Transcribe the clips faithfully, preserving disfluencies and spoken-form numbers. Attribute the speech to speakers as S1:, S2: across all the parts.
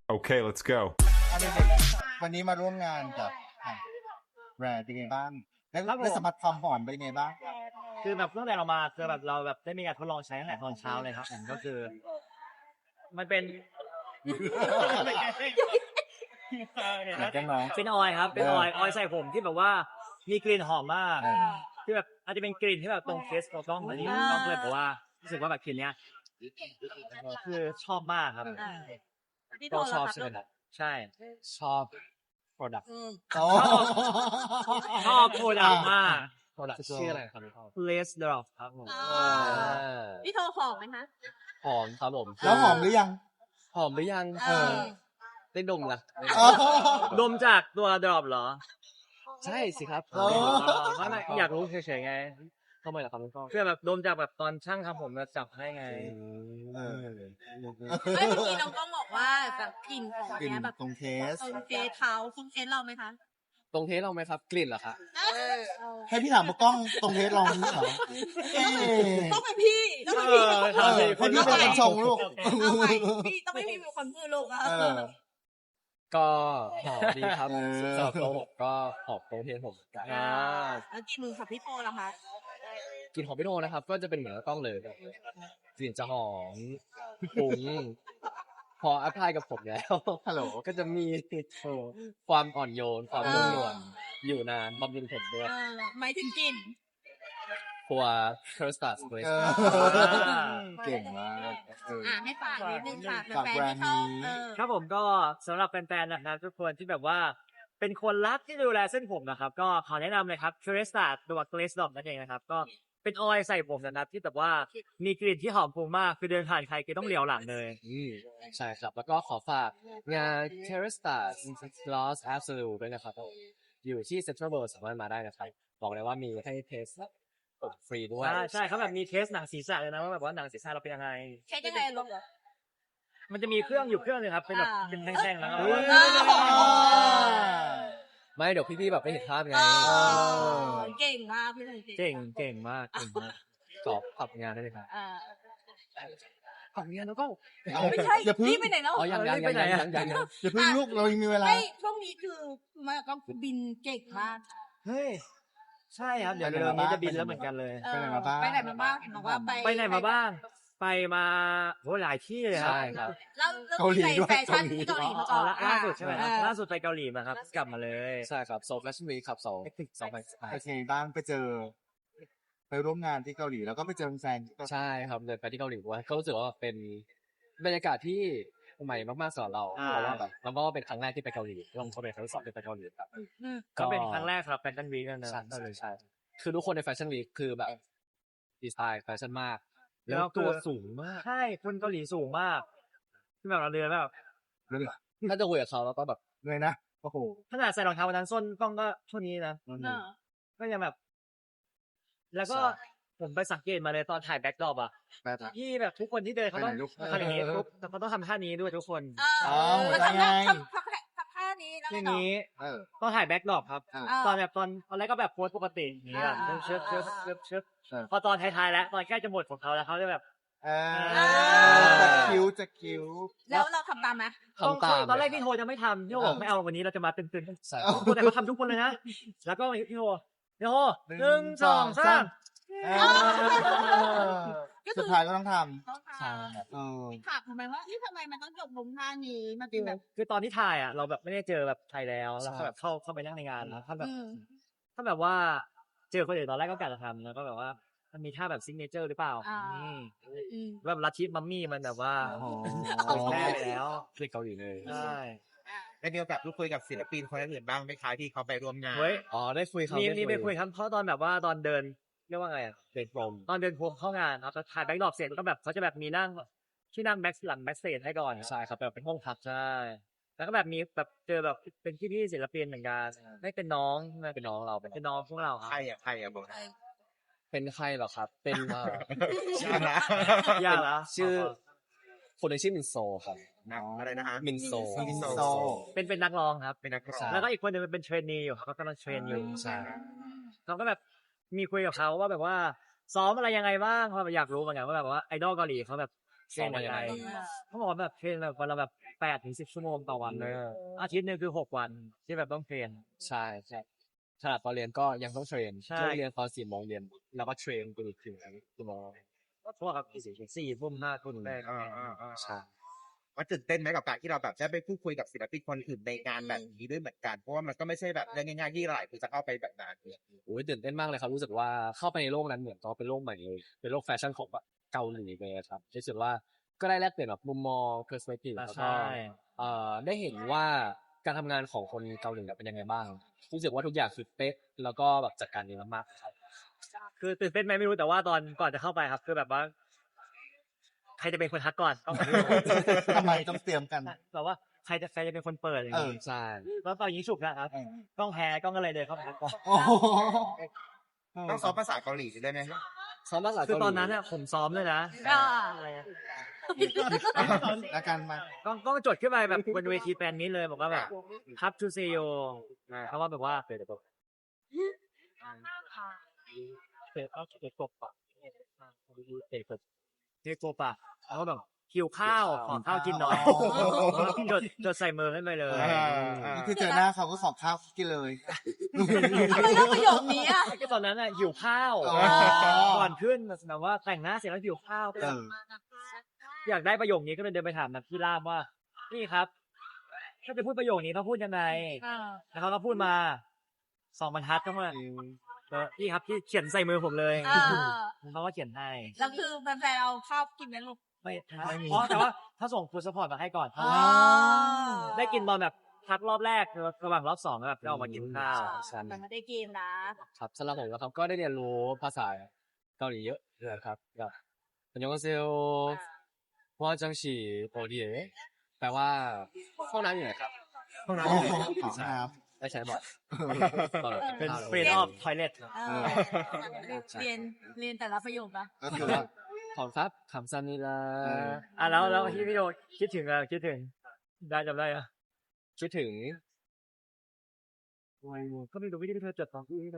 S1: Okay, let's go.
S2: เอาเด็กๆวันนี้มาร่วมงานกับแบรนด์เป็นไงบ้างแล้ว
S3: ครับผม
S2: ได้สัมผัสความหอมเป็นไงบ้าง
S3: คือแบบตั้งแต่เรามาคือแบบเราแบบได้มีการทดลองใช้ตั้งแต่ตอนเช้าเลยครับผมก็คือ มันเป็น
S2: แกล้งน้อง
S3: เป็นออยล์ครับเป็นออยล์ออยล์ใส่ผมที่แบบว่ามีกลิ่นหอมมาก
S2: เออ
S3: ที่แบบอาจจะเป็นกลิ่นที่แบบตรงเฟสของกล้องอันนี้กล้องเลยบอกว่ารู้สึกว่าแบบกลิ่นเนี้ยคือชอบมากครับ
S4: ก็ชอบใช่ไหมครับ
S3: ใช่
S4: ชอบ product
S2: โอ้
S3: ชอบโปรดักต์มาก
S4: product ชื่ออะไรครับพี่พ่อ
S3: Lace Drop ครับผม
S5: พี่โทรหอมไหมคะ
S4: หอมครับผม
S2: แล้วหอมหรือยัง
S4: หอมหรือยัง
S2: เออ
S4: ได้ดมละ
S3: ดมจากตัว Drop เหรอ
S4: ใช่สิครับ
S2: โอ้
S3: ไม่ไม่อยากรู้เฉยๆไง
S4: ทำไมล่ะครับพี่พ่อ
S3: เพื่อแบบดมจากแบบตอนช่างทำผมมาจับให้ไง
S2: เออ
S5: ไม่เมื่อกี้น้องก็บอกว่าแบบกลิ่นของ
S2: กลิ่น
S5: เนี้ยแบบ
S2: ตรงเทส
S5: ตรงเฟซเขาฟุ้งเฟซเราไหมคะ
S4: ตรงเทสเราไหมครับ กลิ่นเหรอคะ
S2: ให้พี่ถามว่ากล้องตรงเทสลองนี่เหรอเอ๊ะ
S5: ต้องเป็นพี่ต้องเป็น
S3: เอ
S5: พี่
S3: อ
S2: เออให้พี่เป็นคนชงลูก
S5: เอาไปพี่ต้องไม่พี่เป็นคนพูดลูกอะ
S2: เออ
S4: ก็หอมดีครับ
S2: เออ
S4: สำหรับตัวผมก็หอมตรงเทสผมเหมือนกัน
S3: อ่า
S5: แล้วกินมือกับพี่โปล่ะคะ
S4: กลิ่นของพี่โนนะครับ ก็จะเป็นเหมือนกับกล้องเลยกลิ่นจะหอมฟุ้งพออัพพลายกับผมแล้ว
S2: ฮัลโหล
S4: ก็จะมีความอ่อนโยนความนุ่มนวลอยู่นานบำรุงผมด้วย
S5: เออหมายถึงกลิ่น
S4: ตัวเคอร์สตัสเวส
S2: เออเก่งมากเออ
S5: อ่าให้ฝากนิดนึงค่ะ
S2: ฝาก
S5: แฟน
S2: แบร
S5: ๆ
S2: นด์
S5: ที่ชอบ
S2: นี้
S5: เออ
S3: ครับผมก็สำหรับแฟนๆนะครับทุกคนที่แบบว่าเป็นคนรักที่ดูแลเส้นผมนะครับ ก็ขอแนะนำเลยครับ c u r e s t a ตัว Glaze Dot นั่นเองนะครับ ก็เป็นออยล์ใส่ผมนะครับที่แบบว่ามีกลิ่นที่หอมฟุ้งมากคือเดินผ่านใครก็ต้องเหลียวหลังเลย
S4: อืมใช่ครับ แล้วก็ขอฝากงาน c a r e s t a Lost Absolute ด้วยนะครับ อยู่ที่ Central World สามารถมาได้นะครับ บอกเลยว่ามีให้เทสผมฟรีด้วย
S3: ใช่ใช่เขาแบบมีเทสหนังศีรษะเลยนะว่าแบบว่าหนังศีรษะเราเป็นยังไง
S5: ใช้ยังไงลูก
S3: มันจะมีเครื่องอยู่เครื่องหนึงครับเป็นแบบ
S5: อ่า
S3: เป็นแท่งๆแล้วก็
S2: เฮ้ย
S4: ไม่เดี๋ยวพี่ๆแบบไม่เห็นภาพไง
S5: เออเก่งมากพี่เลย
S3: เก่งเก่งมากเก่งมาก
S4: ตอบขับงานได้เลยครับ
S5: อ่า
S4: ขับงานแล้วก็
S5: ไม่ใช่
S2: อย่าเพึ่ง
S5: พี่ไปไหนแล้ว
S4: อ๋อยังยังยังยังยังยังยัง
S2: อย่าเพึ่งลูกเรายังมีเวลา
S5: ไม่ช่วงนี้คือมาก็บินเก่งมาก
S3: เฮ้ยใช่ครับเดี๋ยว
S2: ไปไหน
S3: เร็วๆนี้
S2: มาบ้าง
S3: จะบินแล้วเหมือนกันเลย
S5: เออ
S2: ไปไหนมาบ้าง
S5: ไปไหนมาบ้างเห็นบอกว่าไป
S3: ไปไหนมาบ้าง ไปมาโหหลายที่เลยครับ
S4: ใช่ครับ
S5: แล้วแล้ว
S2: เกาหลี
S5: ไป
S2: ด้วย
S5: แฟชั่น
S2: เกาหลี
S5: ที่เกาหลีมา
S3: อ๋
S5: ก่
S3: อ
S5: อน
S3: ล่าล่าสุดใช่ไหมครับ
S5: เออ
S3: ล่าสุดไปเกาหลีมาครับ กลับมาเลย
S4: ใช่ครับโซฟ Fashion Week ครับสองสองพันสิบห้า
S2: โอเคบ้างไปเจอ ไปร่วมงานที่เกาหลีแล้วก็ไปเจอแฟนที่เกาหลี
S4: ใช่ครับเดินไปที่เกาหลีด้วยก็รู้สึกว่าเป็นบรรยากาศที่ใหม่มากๆสำหรับเรา
S3: อ่า
S4: เพราะว่าแบบแล้วก็เป็นครั้งแรกที่ไปเกาหลีลองเขาเป็นครั้งที่สองที่ไปเกาหลีครับ
S5: อืม
S3: ก็เป็นครั้งแรกครับแฟชั่นวีคนะ
S4: ใช่ใช่ใช่คือทุกคนในแฟชั่นวีคคือแบบดีไซน์แฟชั่นมาก
S3: แล้
S4: แล้ว ว
S3: คือ
S4: ตัวสูงมาก
S3: ใช่คนเกาหลีสูงมากที่แบบเราเดินแบบ
S2: เรื่อง
S4: ถ้าจะคุยกับเขาแล้วก็แบบ
S2: เลยนะ โอ้โห
S3: ขนาดใส่รองเท้าวันนั้นส้นกล้องก็เท่านี้นะ
S5: เออ
S3: ก็ยังแบบ แล้วก็ผมไปสังเกตมาเลยตอนถ่ายแบ็คดรอปอะ
S2: แป๊บนะ
S3: ที่แบบทุกคนที่เดินเขาต้อง
S2: ไปไหนลูก
S3: ทำอย่างนี้ปุ๊บแต่เขาต้องทำท่านี้ด้วยทุกคน
S5: เอ
S2: อ๋อ
S5: อ
S2: หัว
S5: แล้ว
S2: ใจ
S5: ทำท่า
S2: ไง
S5: ทำทำทำท่านี้แล้ว
S3: ที
S5: ไงต่อ
S3: นี้
S2: เออ
S3: ตอนถ่ายแบ็คดรอปครับ
S2: อ่า
S5: อ่า
S3: ตอนแบบตอนตอนแรกก็แบบโพสปกติอย่างนี้แบบ
S5: อ่า
S3: เชิบเชิบเชิบเชิบ
S2: เออ
S3: พอตอนท้ายๆแล้วตอนใกล้จะหมดของเขาแล้วเขาจะแบบ
S2: เออ
S3: อ่า
S2: จะคิ้วจะคิ้ว
S5: แล้วเราทำตามไหม
S3: ต้อง
S4: ทำตาม
S3: ตอนแรกพี่โทจะไม่ทำพี่โทบอก
S2: เออ
S3: ไม่เอาวันนี้เราจะมาตึงๆ
S4: ใช่
S3: แต่เขาทำทุกคนเลยนะ แล้วก็พี่โทพี่โทหนึ่งสองสาม
S2: เออสุดท้ายก็ต้องท
S5: ต้องท
S4: ใช่
S2: ำเออ
S5: ำถามทำไมว่าที่ทำไมมันต้องจบลงท่านี้มันเป็นแบบ
S3: คือตอนที่ถ่ายอ่ะเราแบบไม่ได้เจอแบบใครแล้วแล้วก็แบบเข้าเข้าไปนั่งในงานแล้วถ้าแบบ
S5: อืม
S3: ถ้าแบบว่าเจอคนอื่นตอนแรกก็กะจะทำแล้วก็แบบว่ามันมีท่าแบบซิกเนเจอร์หรือเปล่า
S5: อ่า
S3: อืม
S5: อืม
S3: แบบลัทธิมัมมี่มันแบบว่า
S2: อ๋อ
S3: เผยแพร่ไปแล้ว
S4: ที่เกาหลีเลย
S3: ใช่
S6: ได้มีโอกาสพูดคุยกับศิลปินคนอื่นบ้างไหมคะที่เขาไปร่วมงาน
S3: เฮ้ย
S4: อ๋อได้คุยเขา
S3: มี
S4: ได้
S3: มีไปคุยครับเพราะตอนแบบว่าตอนเดินเรียกว่าไงอะ
S4: เด็กโปรม
S3: ตอนเดินพวงเข้างานครับแล้วถ่ายแบ็คดรอปเสร็จแล้วก็แบบเขาจะแบบมีนั่งที่นั่งแบ็คหลังแบ็คสเตจให้ก่อน
S4: ใช่ครับแบบเป็นห้องพัก
S3: ใช่แล้วก็แบบมีแบบเจอแบบเป็นพี่พี่ๆศิลปินเหมือนกันไม่เป็นน้องใช่ไหม
S4: เป็นน้องเราเป็น
S3: เป็นน้องพวกเราค
S6: ใคร
S3: รับ
S6: อ่ะใครอ่ะบอก
S4: เป็นใครเหรอครับ เป็นเอ่อ
S6: ชื่อนะ
S3: ยากแล้ว
S4: ชื่อคนหนึงชื่อมินโซครับ
S6: นักอะไรนะฮะ
S4: มินโซ
S2: มินโซ
S3: เป็นเป็นนักร้องครับ
S6: เป็นนักร้อ
S4: ใช่
S6: ง
S3: แล้วก็อีกคนหนึงเป็นเทรนนีอยู่ครับเขากำลังเทรนอยู่
S4: ใช่
S3: เราก็แบบมีคุยกับเขาว่าแบบว่าซ้อมอะไรยังไงบ้างเพราะแบบอยากรู้เหมือนกันว่าแบบว่าไอดอลเกาหลีเขาแบบเทรนยังไงเขาบอกว่าแบบเทรนแบบวันละแบบแปดถึงสิบชั่วโมงต่อวันเลยอาทิตย์หนึงคือหกวันที่แบบต้องเทรน
S4: ใช่ใช่ขนาดตอนเรียนก็ยังต้องเทรน
S3: ใช่
S4: เลิกเรียนตอนสี่โมงเย็นแล้วก็เทรนไปอีกถึงกี่โมง
S3: เพราะว่าครับสี่ทุ่มห้าทุ่มแรก
S6: อ่าอ่าอ่า
S4: ใช่
S6: ว่าตื่นเต้นไหมกับการที่เราแบบจะไปพูดคุยกับศิลปินคนอื่นในงานแบบนี้ด้วยเหมือนกันเพราะว่ามันก็ไม่ใช่แบบเรื่องง่ายๆที่หลายคนจะเข้าไปแบบนั้น
S4: โอ้ยตื่นเต้นมากเลยครับรู้สึกว่าเข้าไปในโลกนั้นเหมือนก็เป็นโลกใหม่เลยเป็นโลกแฟชั่นของแบบเกาหลีเลยครับรู้สึกว่าก็ได้แลกเปลี่ยนแบบมุมมอง perspective แล้วก็
S3: ใช่
S4: เอ่อได้เห็นว่าการทำงานของคนเกาหลีเป็นยังไงบ้างรู้สึกว่าทุกอย่างคือเป๊ะแล้วก็แบบจัดการดีมากๆครับ
S3: คือตื่นเต้นไหมไม่รู้แต่ว่าตอนก่อนจะเข้าไปครับ คือแบบว่า ใครจะเป็นคนทักก่อนต้อง
S2: ทำไมต้องเตรียมกัน
S3: แบบว่าใครจะใครจะเป็นคนเปิดอย่าง
S2: เออ
S3: นี้
S4: ใช่
S3: แล้วตอนยิงฉุกนะครับ
S2: เออ
S3: ต้องแพ้ต้องอะไรเลยเข้าไปทักก่อน
S2: โอ้โห
S6: ต้องซ้อมภาษาเกาหลีได้ไหม
S4: ซ้อมภาษา
S3: คือ
S4: เกาหลี
S3: ตอนนั้นเนี่ยผมซ้อมเลยนะ
S5: อ่า
S3: อะไรอะ
S2: แล้วกันมา
S3: ก็ก็จดขึ้นไปแบบบนเวทีแฟนนี้เลยบอกว่าแบบ Hub to see you เขาว่าแบบว่าเปิดแบบเปิดเอาเปิดกบปะเปิดเปิดเรียกกบปะแล้วก็แบบหิวข้าวขอข้าวกินหน่อยจดจดใส่มือให้ไปเลย
S2: นี่คือเจอหน้าเขาก็ขอข้าวกินเลย
S5: ทำไมเลือกประโยคนี้อ่ะ
S3: ก็ตอนนั้นอ่ะหิวข้าว
S2: อ๋อ
S3: ก่อนขึ้นแบบว่าแต่งหน้าเสร็จแล้วหิวข้าว
S2: เออ
S3: อยากได้ประโยคนี้ก็เลยเดินไปถามนะพี่ล่ามว่านี่ครับ ถ้าจะพูดประโยคนี้ต้องพูดยังไง
S5: อ่า
S3: แล้วเขาก็พูดมาสองบรรทัดก็มาเออพี่ครับที่เขียนใส่มือผมเลย
S5: อ่า
S3: เขาก็เขียนให้
S5: แล้วคือแฟนๆเอาข้าวกินไหมลูก
S3: ไม่อ๋อแต่ว่าถ้าส่งฟูดสปอร์ตมาให้ก่อน
S5: อ๋อ
S3: ได้กินตอนแบบพักรอบแรกระหว่างรอบสองแล้วแบบได้ออกมากินข้าว
S4: ใช่
S5: มันไม่ได้กินนะครับ
S4: สำหรับผมนะครับก็ได้เรียนรู้ภาษาเกาหลีเยอะเลยครับแบบอันยองเซลว่าจังฉีโปรดีแปลว่าห้องน้ำอยู่ไหนครับ
S6: ห้องน้
S2: โอ้โหขอครับ
S4: ได้ใช้บ่อยตอน
S3: เป็น
S4: ข้าว
S3: เฟรนออฟทอยเลท
S5: เออเรียนเรียนแต่ละประโยคนะ
S2: ก็คือว่า
S4: ขอบครับคำซันนี่ละ
S3: อ่ะแล้วแล้วที่พี่โดคิดถึงอะคิดถึง ได้จำได้อะ
S4: คิดถึง
S3: ก็ไม่รู้วิธีที่เธอจดของพี่เลย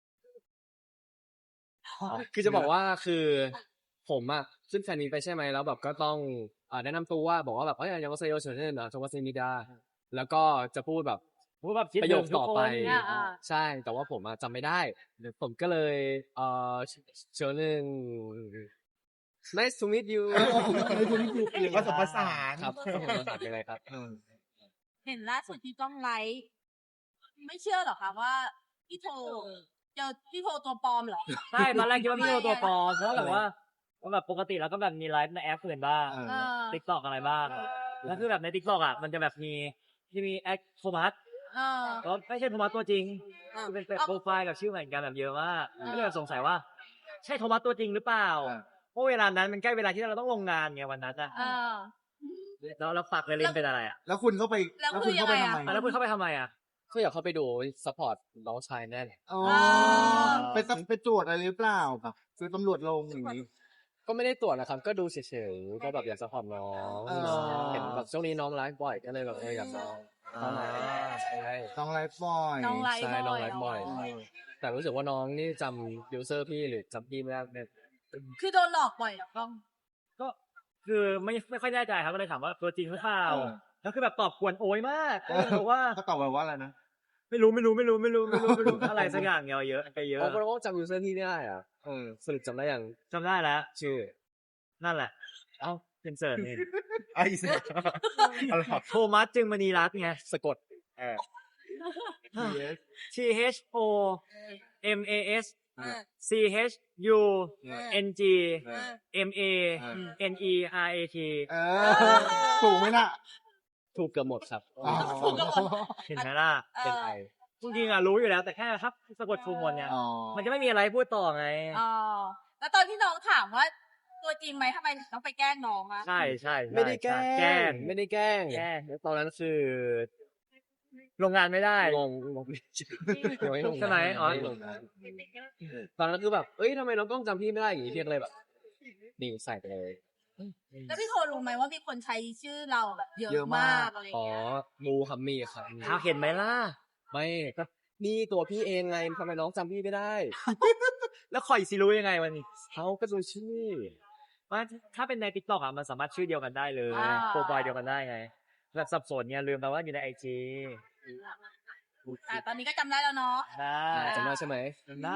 S4: คือจะบอกว่าคือผมอะขึ้นแฟนนี้ไปใช่ไหมแล้วแบบก็ต้องอ่าแนะนำตัวว่าบอกว่าแบบเอ้ยยังก็เซโยเฉินเน่นอะจงว่าเซมิดาแล้วก็จะพูดแบบ
S3: พูดแบบคิด
S4: ประ
S3: ถึ
S4: โย
S3: ง
S4: ค
S3: ทุก
S4: ต่อ
S3: ค
S4: ไป
S3: น
S5: อ่าอ่า
S4: ใช่แต่ว่าผมอะจำไม่ได้ผมก็เลยเอ่อเชิญหนึ่ง nice to meet you
S6: ำผสมผสาน
S4: ครับผสมผสานเป็นไรครับ
S2: เออ
S5: เห็นล่าสุดที่กล้องไลฟ์ไม่เชื่อหรอคะว่าพี่โทเจอพี่โทตัวปลอมเหรอ
S3: ใช่ตอนแรกคิดว่าพี่โดตัวปลอมเพราะแบบว่าว่าแบบปกติเราก็แบบมีไลฟ์ในแอปอื่นบ้าง
S2: เออ
S5: เออ
S3: ติ๊กต็อกอะไรบ้างแล้วคือแบบในติ๊กต็อกอ่ะมันจะแบบมีที่มีแอคโทมัส
S5: เออ
S3: ก็ไม่ใช่โทมัสตัวจริง
S5: เออ
S3: คือเป็นโปรไฟล์กับชื่อเหมือนกันแบบเยอะมากก็เลยสงสัยว่า ใช่โทมัสตัวจริงหรือเปล่า
S2: เออ
S3: เพราะเวลานั้นมันใกล้เวลาที่เราต้องลงงานไงวันนั้นอ่ะ
S5: เออ
S3: แล้วเราฝากเลยลินเป็นอะไรอ่ะ
S2: แล้วคุณเข้าไป
S5: แล้ว
S2: แล้ว
S5: คื
S2: คุ
S5: อ
S2: ณเข้าไป
S5: ยังไง
S2: ทำ
S5: อะ
S2: ไม
S3: อ่ะแล้วคุณเข้าไปทำไมอ่ะ
S4: ก็อยากเข้าไปดูซัพพอร์ตน้องชายแน่เลย
S2: อ๋อ
S5: อ่า
S2: ไปต้องไปตรวจอะไรหรือเปล่าแบบคือตำรวจลงอย่างนี้
S4: ก็ไม่ได้ตรวจนะครับ ก็ดูเฉยๆก็แบบอยากซัพพอร์ตน้อง
S2: อ๋อ
S4: เห็นแบบช่วงนี้น้องไลฟ์บ่อยก็เลยแบบเอออยากน้องเข้ามาใช่
S2: ต้องไลฟ์บ่อย
S5: น้องไลฟ์
S4: ใช่
S5: บ่
S4: น้อง
S5: อย
S4: ไลฟ์บ่อย แต่รู้สึกว่าน้องนี่จำยูเซอร์พี่หรือจำพี่ไม่ได้เนี่ย
S5: คือโดนหลอกบ่อยเหรอกล้อง
S3: ก็คือไม่ไม่ค่อยแน่ใจครับก็เลยถามว่าตัวจริงหรือเปล่า
S2: เออ
S3: แล้วคือแบบตอบกวนโอยมากก็เลยบอกว่า
S2: เขาตอบมาว่าอะไรนะ
S3: ไม่รู้ไม่รู้ไม่รู้ไม่รู้ไม่รู้ไม่รู้อะไรสักอย่างเยอะเยอะไปเยอะ
S4: โอ้เพราะว่าจำยูเซอร์พี่ไม่ได้อ่ะเออสรุปจำได้อย่าง
S3: จำได้แล้ว
S4: ชื่อ
S3: นั่นแหละ เอ้าเป็นเสิร์ตนี่
S6: ไอ้สิอะไรครับ
S3: โทมัสจึงมณีรัตน์ไง
S4: สะกด
S6: เออ
S3: T H O M A S
S5: เออ
S3: C H U N G
S2: เออ
S3: M A N E R A T
S2: เออถูกไหมน่ะ
S4: ถูกเกือบหมดครับ
S2: อ๋อ
S3: เห็นไหมล่ะ
S5: เอ
S4: เป็น
S5: อ
S4: ไอ
S3: จริงๆอ่ะรู้อยู่แล้วแต่แค่ครับสะกดถูกหมดเนี่ย
S2: อ๋อ
S3: มันจะไม่มีอะไรพูดต่อไง
S5: อ๋อแล้วตอนที่น้องถามว่า ตัวจริงไหมทำไมถึงต้องไปแกล้งน้องอะ
S3: ใช่ใช่ใช่
S4: ไม่ได้แกล้
S3: แกล้
S4: ง
S3: ง
S4: ไม่ได้แกล้ง
S3: แกล้ง
S4: ตอนนั้นคือ
S3: ลงงานไม่ได้
S4: งงงงยังไม่ลง
S3: ใช่ไหมอ๋อ
S4: ยังไม่ลงนะตอนนั้นคือแบบเอ้ยทำไมน้องกล้องจำพี่ไม่ได้อย่างนี้พี่ก็เลยแบบนี่ใส่ไปเลย
S5: แล้วพี่โทรู้ไหมว่ามีคนใช้ชื่อเราแบบเยอะ
S2: เยอะมาม
S5: าก กอะไร
S4: อ๋อ
S5: เงี้ย
S4: มูครับมีครับ
S3: เอาเห็นไหมล่ะ
S4: ไม่ก็นี่ตัวพี่เองไงทำไมน้องจำพี่ไม่ได้
S3: แล้วคอยสิรู้ยังไงวันนี้
S4: เขาก็ดูชื่อ
S3: ว่าถ้าเป็นในติ๊กต็อกอ่ะมันสามารถชื่อเดียวกันได้เลย
S5: อ่า
S3: โปรไฟล์เดียวกันได้ไงแบบสับสนเนี่ยลืมไปว่าอยู่ในไอจี
S5: อ่ะตอนนี้ก็จำได้แล้วเนาะ
S3: ได้
S4: จำได้ใช่ไหม
S3: จำได้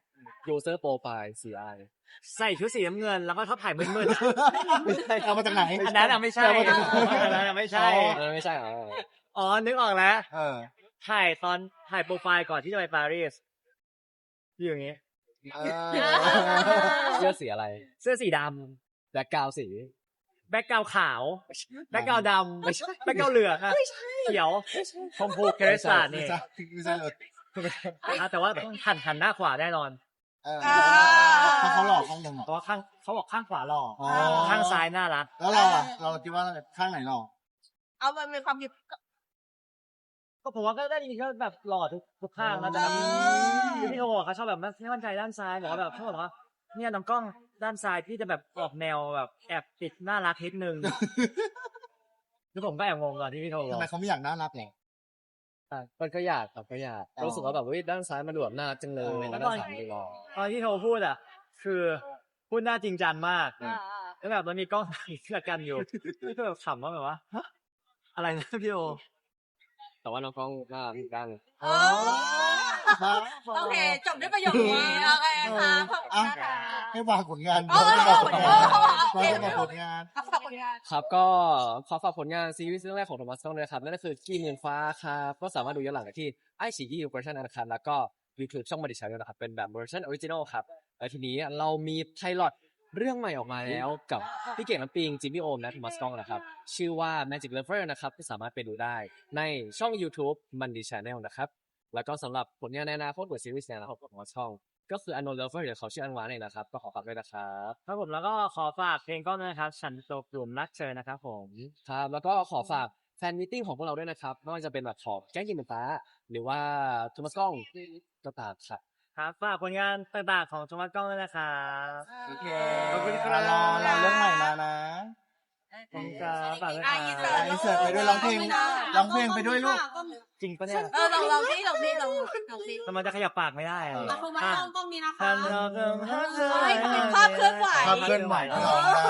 S4: user profile สีอะไร
S3: ใส่ชุดสีน้ำเงินแล้วก็ชอบถ่ายมืด
S2: ไม่ใช่เอามาจากไหน
S3: ๆอันนั้นอ่ะไม่ใช่อันนั้นอ่ะไม่ใช่
S4: เออไม่ใช่เหรอ
S3: อ๋อนึกออกแล้ว
S2: เออ
S3: ถ่ายตอนถ่ายโปรไฟล์ก่อนที่จะไปปารีสอยู่อย่างงี้
S2: เออ
S4: เสื้อสีอะไร
S3: เสื้อสีด
S4: แบ็คกราวสี
S3: ำแบ็กกราวขาว แบ็กกราวดำแบ็กกราวเหลืองอะเขียวชมพูเครสตาร์
S2: ไม่
S3: นี่
S2: ใช่ไม่ใช่เลย
S3: อ่ะแต่ว่าหันหันหน้าขวาแน่นอน
S2: เออเพราะเขาหลอกข้างหนึ่งเหรอ
S3: เพราะว่าข้างเขาบอกข้างขวาหล่อ
S2: อ๋อ
S3: ข้างซ้ายน่ารัก
S2: แล้วเราอ่ะเราคิดว่าข้างไหนหลอก
S5: เอามันเป็นความคิด
S3: ก็ผมว่าก็ได้ดีก็แบบหล่อทุกทุกข้างนะแต่แบบ
S5: เออ
S3: คือพี่โทบอกเขาชอบแบบไม่มั่นใจด้านซ้ายบอกว่าแบบเขาบอกว่าเนี่ยน้องกล้องด้านซ้ายพี่จะแบบออกแนวแบบแอบติดน่ารักนิดนึงคือผมก็แอบงงตอนที่พี่โทบ
S2: ทำ
S3: อก
S2: ไมเขาไม่อยากน่ารักหรอ
S4: อ่ะมันก็อยากครับก็อยาก
S2: อ๋อ
S4: รู้สึกว่าแบบเฮ้ยด้านซ้ายมันดูแบบน่ารักจังเลย
S2: อ๋อ
S4: แล้วด้านขวาดูหล่อ
S3: ตอนที่โทพูดอ่ะ คือพูดหน้าจริงจังมาก
S5: อ่า
S3: แล้วแบบมันมีกล้องถ่ายเสื้อกันอยู่พี่ก็แบบขำว่าแบบว่าฮะอะไรนะพี่โอ
S4: แต่ว่าน้องกล้องน่ารักอีกด้าน
S5: ๆเออโอเคจบด้วยประโยคนี้โอเคค่ะขอบคุณนะคะ
S2: ให้วางผลงาน
S5: เออ
S2: ให้วางผลงาน
S5: เออเออ
S2: วาง
S5: โอเค
S2: ผลงาน
S5: ขอบคุณค่ะ
S4: ครับก็ขอฝากผลงานซีรีส์เรื่องแรกของโทมัสต้องเลยนะครับนั่นก็คือกี้เมืองฟ้าครับก็สามารถดูย้อนหลังได้ที่ไอซีกีเวอร์ชันนะครับแล้วก็ยูทูบช่องมาดิชันนะครับเป็นแบบเวอร์ชันออริจินอลครับแล้วทีนี้เรามีไพลอตเรื่องใหม่ออกมาแล้วกับพี่เก่งน้ำปิงจิมมี่โอมและโทมัสต้องนะครับชื่อว่า Magic Lover นะครับที่สามารถไปดูได้ในช่อง YouTube มันดิชันแนลนะครับแล้วก็สำหรับผลงานในอนาคตของซีรีส์ในอนาคตของช่องก็คือ Unknown Lover เดี๋ยวเขาชื่ออันวานเองนะครับก็ขอฝากด้วยนะครับ
S3: ครับผมแล้วก็ขอฝากเพลงก้อนด้วยนะครับ ฉันตกหลุมรักเธอนะครับผม
S4: ครับแล้วก็ขอฝากแฟนมิทติ้งของพวกเราด้วยนะครับไม่ว่าจะเป็นแบบของแก๊งกินเป็นฟ้า หรือว่าโทมัสกล้องก็ตามครับ
S3: ครับฝากผลงานต่างๆของโทมัสกล้องด้วยนะครับ
S2: โอเค
S3: ขอบคุณครับ
S2: รอรอเรื่องใหม่มานะ
S3: ขอบคุณครับฝากด้วย
S5: อ่ะ
S3: ค
S5: อิน
S3: รั
S5: เสิร์ต
S3: บ
S2: อินเสิร์ตไปด้วยร้องเพลงร้องเพลงไปด้วยลูก
S3: จริงปะเนี่ย
S5: เออลองลองสิลองสิลองลองสิ
S3: ทำไมจะขยับปากไม่ได้อะ
S2: เออ
S5: อ่ะคุณมาต้องต้องนี้นะคะ
S3: ฉันตกหลุมรักเธอ
S5: เฮ้ยเขาเป็นภาพเคลื่อนไหว
S2: ภาพเคลื่อนไหวที่ร้องได้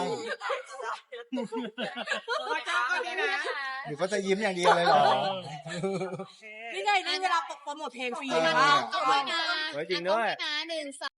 S2: หรือก็จะยิ้มอย่างเดียวเลยเหรอ
S5: นี่ไงนี่เวลาโปรโมทเพลงฟรี
S2: เออ
S5: มาก
S3: เฮ้ยจริงด้วย
S1: หนึ่งสอง